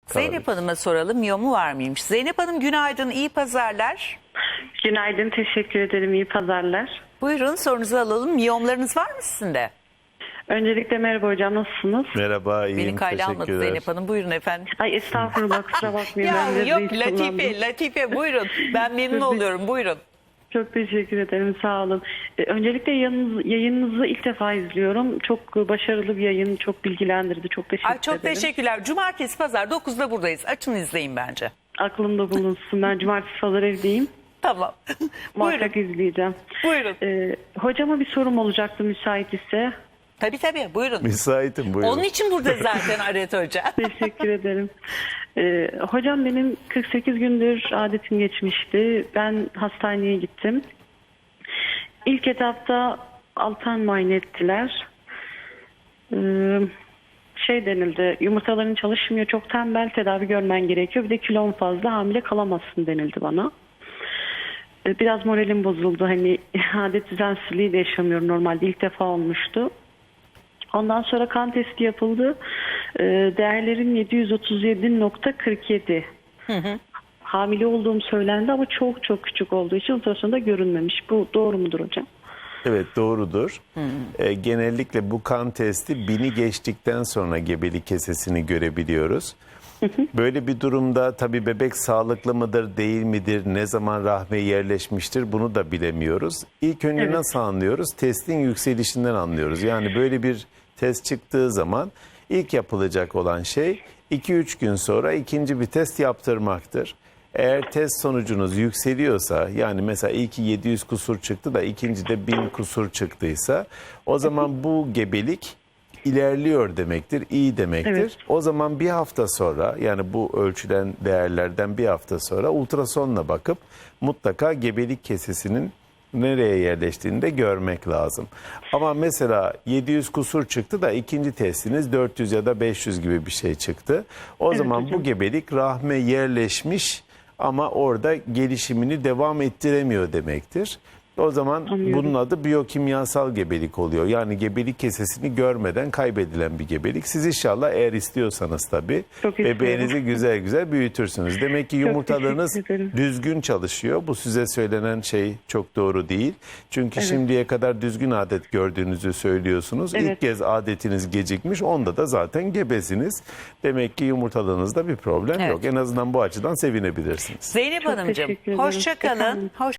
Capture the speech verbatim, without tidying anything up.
Zeynep Hanım'a soralım, miyomu var mıymış? Zeynep Hanım günaydın, iyi pazarlar. Günaydın, teşekkür ederim. İyi pazarlar. Buyurun sorunuzu alalım. Miyomlarınız var mı sizin de? Öncelikle merhaba hocam, nasılsınız? Merhaba, iyiyim. Beni kayda almadı Teşekkürler. Zeynep Hanım. Buyurun efendim. Ay estağfurullah, kusura bakmayın. Ya ben de yok reis Latife, kullandım. Latife buyurun. Ben memnun oluyorum, buyurun. Çok teşekkür ederim, sağ olun. Ee, öncelikle yayınınız, yayınınızı ilk defa izliyorum. Çok başarılı bir yayın, çok bilgilendirdi. Çok teşekkür Ay, çok ederim. teşekkürler. Cumartesi, pazar dokuzda buradayız. Açın izleyin bence. Aklımda bulunsun. Ben cumartesi pazar evdeyim. Tamam. Muhakkak Buyurun. izleyeceğim. Buyurun. Ee, hocama bir sorum olacaktı müsait ise. Tabii tabii buyurun. Müsaitim, buyurun. Onun için burada zaten Aret Hoca. Teşekkür ederim. Ee, hocam benim kırk sekiz gündür adetim geçmişti. Ben hastaneye gittim. İlk etapta altan muayene ettiler. Ee, şey denildi, yumurtaların çalışmıyor, çok tembel, tedavi görmen gerekiyor. Bir de kilon fazla, hamile kalamazsın denildi bana. Ee, biraz moralim bozuldu. Hani adet düzensizliği de yaşamıyorum normalde. İlk defa olmuştu. Ondan sonra kan testi yapıldı. Ee, değerlerim yedi yüz otuz yedi nokta kırk yedi. Hı hı. Hamile olduğum söylendi ama çok çok küçük olduğu için ultrasonda görünmemiş. Bu doğru mudur hocam? Evet, doğrudur. Ee, genellikle bu kan testi bini geçtikten sonra gebelik kesesini görebiliyoruz. Böyle bir durumda tabii bebek sağlıklı mıdır, değil midir, ne zaman rahme yerleşmiştir bunu da bilemiyoruz. İlk önce Evet. nasıl anlıyoruz? Testin yükselişinden anlıyoruz. Yani böyle bir test çıktığı zaman ilk yapılacak olan şey iki üç gün sonra ikinci bir test yaptırmaktır. Eğer test sonucunuz yükseliyorsa, yani mesela ilki yedi yüz kusur çıktı da ikinci de bin kusur çıktıysa, o zaman bu gebelik ilerliyor demektir, iyi demektir. Evet. O zaman bir hafta sonra, yani bu ölçülen değerlerden bir hafta sonra ultrasonla bakıp mutlaka gebelik kesesinin nereye yerleştiğini de görmek lazım. Ama mesela yedi yüz kusur çıktı da ikinci testiniz dört yüz ya da beş yüz gibi bir şey çıktı. O Evet zaman hocam. bu gebelik rahme yerleşmiş ama orada gelişimini devam ettiremiyor demektir. O zaman Anlıyorum. bunun adı biyokimyasal gebelik oluyor. Yani gebelik kesesini görmeden kaybedilen bir gebelik. Siz inşallah eğer istiyorsanız tabii Çok istiyorum. bebeğinizi güzel güzel büyütürsünüz. Demek ki yumurtalarınız teşekkür ederim. düzgün çalışıyor. Bu size söylenen şey çok doğru değil. Çünkü Evet. şimdiye kadar düzgün adet gördüğünüzü söylüyorsunuz. Evet. İlk kez adetiniz gecikmiş. Onda da zaten gebesiniz. Demek ki yumurtalarınızda bir problem Evet. yok. En azından bu açıdan sevinebilirsiniz. Zeynep Çok Hanımcığım teşekkür ederim. hoşça kalın. Efendim? Hoş